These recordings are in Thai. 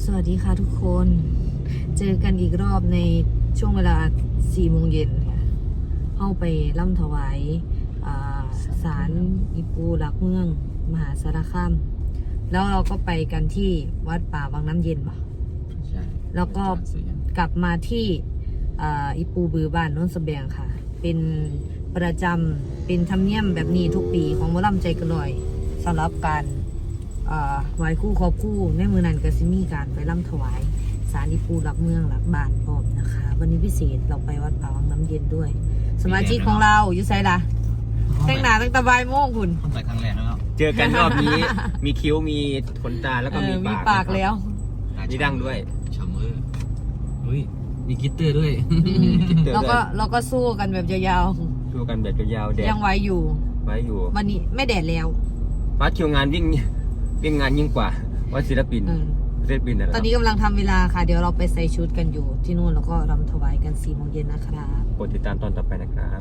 สวัสดีค่ะทุกคนเจอกันอีกรอบในช่วงเวลา4 โมงเย็นค่ะเข้าไปล่ำถวายศาลอีปูหลักเมืองมหาสารคามแล้วเราก็ไปกันที่วัดป่าวังน้ำเย็นป่ะใช่แล้วก็กลับมาที่อีปูบือบ้านโน้นสะแบงค่ะเป็นประจำเป็นธรรมเนียมแบบนี้ทุกปีของหมอลำใจกระลอยสำหรับการไหว้คู่ครอบคู่ในมือนันก็ซิมีการไปล่ำถวายศาลอีปูหลักเมืองหลักบ้านพร้อมนะคะวันนี้พิเศษเราไปวัดป่าวังน้ำเย็นด้วยสมาชิกของเราอยู่ไซล่ะแต่งหน้าตั้งแต่บ่ายโมงคุณต้องใส่ครั้งแรกแล้วเจอกันรอบนี้ มีคิ้วมีขนตาแล้วก็มีปากแล้วมีดั้งด้วยชามืออุ้ยมีกิตเตอร์ด้วยเราก็สู้กันแบบยาวๆสู้กันแบบยาวๆแดดยังไว้อยู่วันนี้ไม่แดดแล้ววัดคิวงานวิ่งงานยิ่งกว่าวัดศิลปินนะตอนนี้กำลังทำเวลาค่ะเดี๋ยวเราไปใส่ชุดกันอยู่ที่นู่นแล้วก็รำถวายกัน4 โมงเย็นนะครับกดติดตามตอนต่อไปนะครับ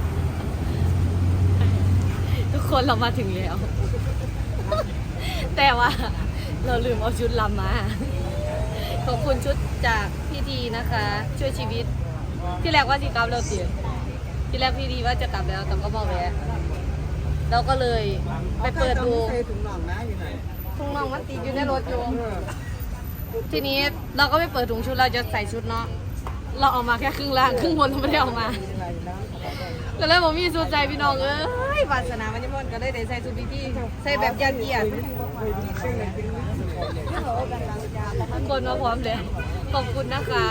ทุกคนเรามาถึงแล้ว แต่ว่าเราลืมเอาชุดลำมาขอบคุณชุดจากพี่ดีนะคะช่วยชีวิตที่แรกว่าจะกลับแล้วตีที่แรกพี่ดีว่าจะกลับแล้วแต่ก็บอกแวะเราก็เลยไปเปิดดูถุงน่องมันติดอยู่ในรถอยู่ทีนี้เราก็ไปเปิดถุงชุดเราจะใส่ชุดเนาะเราเอามาแค่ครึ่งล่างครึ่งบนเราไม่ได้เอามาก็เลยผมมีสุดใจพี่น้องวาสนามันจะพ้นก็ได้ใส่ชุดพี่ใส่แบบยาเกียรทุกคนมาพร้อมเลยขอบคุณนะคะ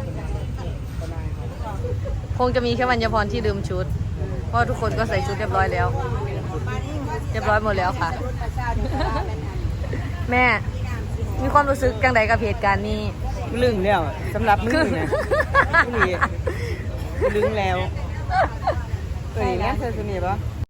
คงจะมีแค่วรรณพรที่ลืมชุดเพราะทุกคนก็ใส่ชุดเรียบร้อยแล้วเรียบร้อยหมดแล้วค่ะแม่มีความรู้สึกจังใดกับเหตุการณ์นี้ลึงแล้วสำหรับมึงเนี่ยลึงแล้วเอ้ยงั้นเธอสนิทปะ